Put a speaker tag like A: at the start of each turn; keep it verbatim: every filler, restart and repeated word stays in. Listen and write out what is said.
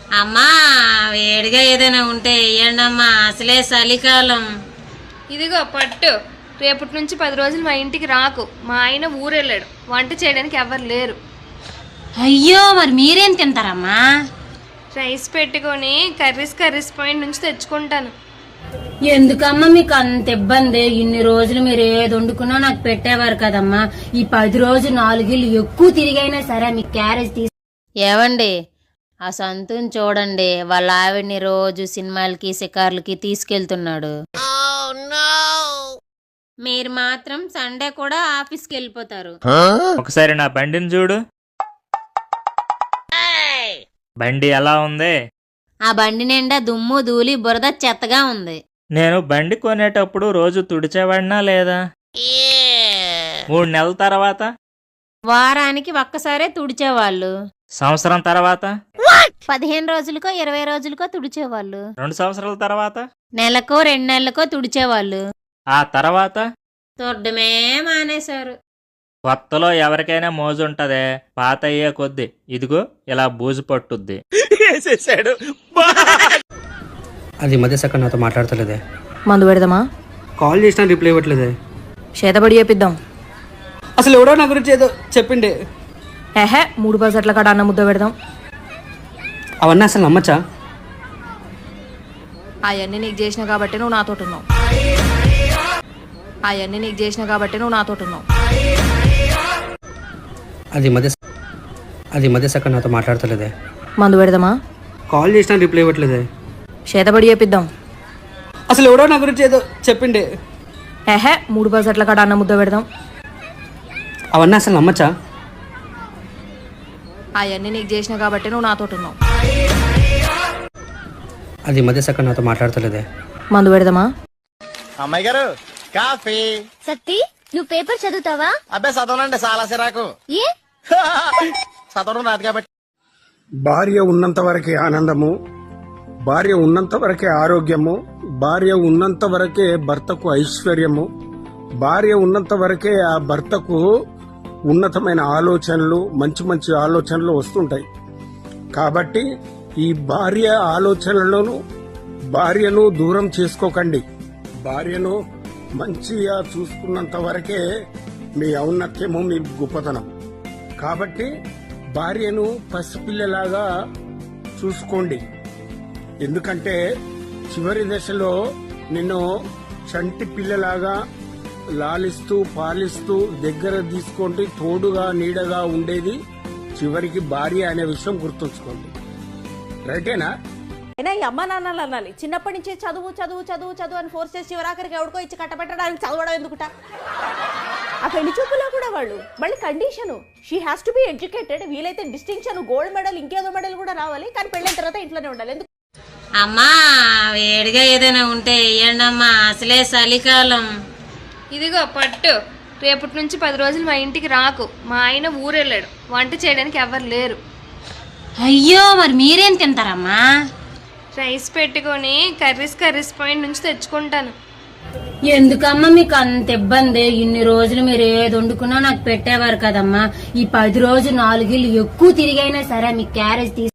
A: అమ్మా వేడిగా ఏదైనా ఉంటే వేయండి అమ్మా, అసలే చలికాలం.
B: ఇదిగో పట్టు. రేపటి నుంచి పది రోజులు మా ఇంటికి రాకు. మా ఆయన ఊరెళ్ళాడు, వంట చేయడానికి ఎవరు లేరు.
A: అయ్యో మరి మీరేం తింటారమ్మా?
B: రైస్ పెట్టుకొని కర్రీస్ కర్రీస్ పాయింట్ నుంచి తెచ్చుకుంటాను.
A: ఎందుకమ్మా మీకు అంత ఇబ్బంది? ఇన్ని రోజులు మీరు ఏది వండుకున్నా నాకు పెట్టేవారు కదమ్మా. ఈ పది రోజు నాలుగిళ్ళు ఎక్కువ తిరిగైనా సరే మీకు క్యారేజ్ తీసి. ఏవండి ఆ సంతుని చూడండి, వాళ్ళ ఆవిడ్ని రోజు సినిమాలకి షికార్లకి తీసుకెళ్తున్నాడు. మీరు మాత్రం సండే కూడా ఆఫీస్కి వెళ్ళిపోతారు.
C: ఒకసారి నా బండిని చూడు. బండి ఎలా ఉంది?
A: ఆ బండి నిండా దుమ్ము ధూళి బురద చెత్తగా ఉంది.
C: నేను బండి కొనేటప్పుడు రోజు తుడిచేవాడినా లేదా? మూడు నెలల తర్వాత?
A: వారానికి ఒక్కసారే తుడిచేవాళ్ళు.
C: సంవత్సరం తర్వాత?
A: పదిహేను రోజులకో ఇరవై రోజులకో తుడిచేవాళ్ళు.
C: రెండు సంవత్సరాల తర్వాత?
A: నెలకో రెండు నెలలకో తుడిచేవాళ్ళు.
C: ఆ తర్వాత?
A: తుడ్డమే మానేశారు.
C: కొత్తలో ఎవరికైనా మోజుంటదే, పాత అయ్యే కొద్ది ఇదిగో ఇలా బూజు పట్టుద్ది.
D: అది మధ్య సక్క నాతో మాట్లాడతలేదే.
E: మందు పెడదామా?
D: కాల్ చేసినా రిప్లై ఇవ్వట్లేదే.
E: చేతబడి చేపిద్దాం.
D: అసలు ఎవడో నా గురించి ఏదో చెప్పిండే.
E: ఏహే మూడు పర్సెంట్ల కాడ అన్న ముద్ద పెడదాం.
D: అవన్నీ అసలు నమ్మచ్చా?
E: అవన్నీ నీకు చేసిన కాబట్టి నువ్వు నాతో ఉన్నావు. అవన్నీ నీకు చేసిన కాబట్టి నువ్వు నాతో ఉన్నావు.
D: అది మధ్య అది మధ్య సక్క నాతో మాట్లాడతలేదే.
E: మందు పెడదామా?
D: కాల్ చేసినా రిప్లై ఇవ్వట్లేదే.
E: చేతబడి చేపిద్దాం.
D: అసలు ఎవడో నా గురించి ఏదో చెప్పిండే.
E: ఏహే మూడు పర్సెంట్ల కాడ అన్న ముద్ద పెడదాం.
D: అవన్నీ అసలు నమ్మచ్చా?
E: అవన్నీ నీకు చేసిన కాబట్టి నువ్వు నాతో ఉన్నావు.
D: అది మధ్య సక్క నాతో మాట్లాడతలేదే.
E: మందు పెడదామా?
F: అమ్మాయి గారు కాఫీ.
G: సత్తి నువ్వు పేపర్ చదువుతావా?
F: అబ్బాయి చదవనండి, చాలా సిరాకు.
G: ఏ
F: చదవడం రాదు కాబట్టి.
H: భార్య ఉన్నంత వరకే ఆనందము, భార్య ఉన్నంత వరకే ఆరోగ్యము, భార్య ఉన్నంత వరకే భర్తకు ఐశ్వర్యము, భార్య ఉన్నంత వరకే ఆ భర్తకు ఉన్నతమైన ఆలోచనలు, మంచి మంచి ఆలోచనలు వస్తుంటాయి. కాబట్టి ఈ భార్య ఆలోచనలను భార్యను దూరం చేసుకోకండి. భార్యను మంచిగా చూసుకున్నంత వరకే మీ ఔన్నత్యము, మీ గొప్పతనం. కాబట్టి భార్యను పసిపిల్లలాగా చూసుకోండి. ఎందుకంటే చివరి దశలో నిన్ను చంటి పిల్లలాగా లాలిస్తూ పాలిస్తూ దగ్గర తీసుకుంటూ తోడుగా నీడగా ఉండేది చివరికి భార్య అనే విషయం గుర్తుంచుకోండి. రైటేనా?
I: అయినా ఈ అమ్మ నాన్నలు అనాలి, చిన్నప్పటి నుంచి చదువు చదువు చదువు చదువు అని ఫోర్స్ చేసి చివరాఖరికి ఎవరికో ఇచ్చి కట్టబెట్టడానికి చదవడం ఎందుకుట? ఆ పెళ్లి చూపులో కూడా వాళ్ళు మళ్ళీ condition, she has to be educated, వీలైతే డిస్టింక్షన్, గోల్డ్ మెడల్, ఇంకేదో మెడల్ కూడా రావాలి, కానీ పెళ్ళైన తర్వాత ఇంట్లోనే ఉండాలి. ఎందుకు
A: అమ్మా వేడిగా ఏదైనా ఉంటే వేయండి అమ్మా, అసలే చలికాలం.
B: ఇదిగో పట్టు. రేపటి నుంచి పది రోజులు మా ఇంటికి రాకు. మా ఆయన ఊరెళ్ళాడు, వంట చేయడానికి ఎవరు లేరు.
A: అయ్యో మరి మీరేం తింటారమ్మా?
B: రైస్ పెట్టుకొని కర్రీస్ కర్రీస్ పాయింట్ నుంచి తెచ్చుకుంటాను.
A: ఎందుకమ్మా మీకు అంత ఇబ్బంది? ఇన్ని రోజులు మీరు ఏది వండుకున్నా నాకు పెట్టేవారు కదమ్మా. ఈ పది రోజు నాలుగిళ్ళు ఎక్కువ తిరిగైనా సరే మీకు క్యారేజ్ తీసి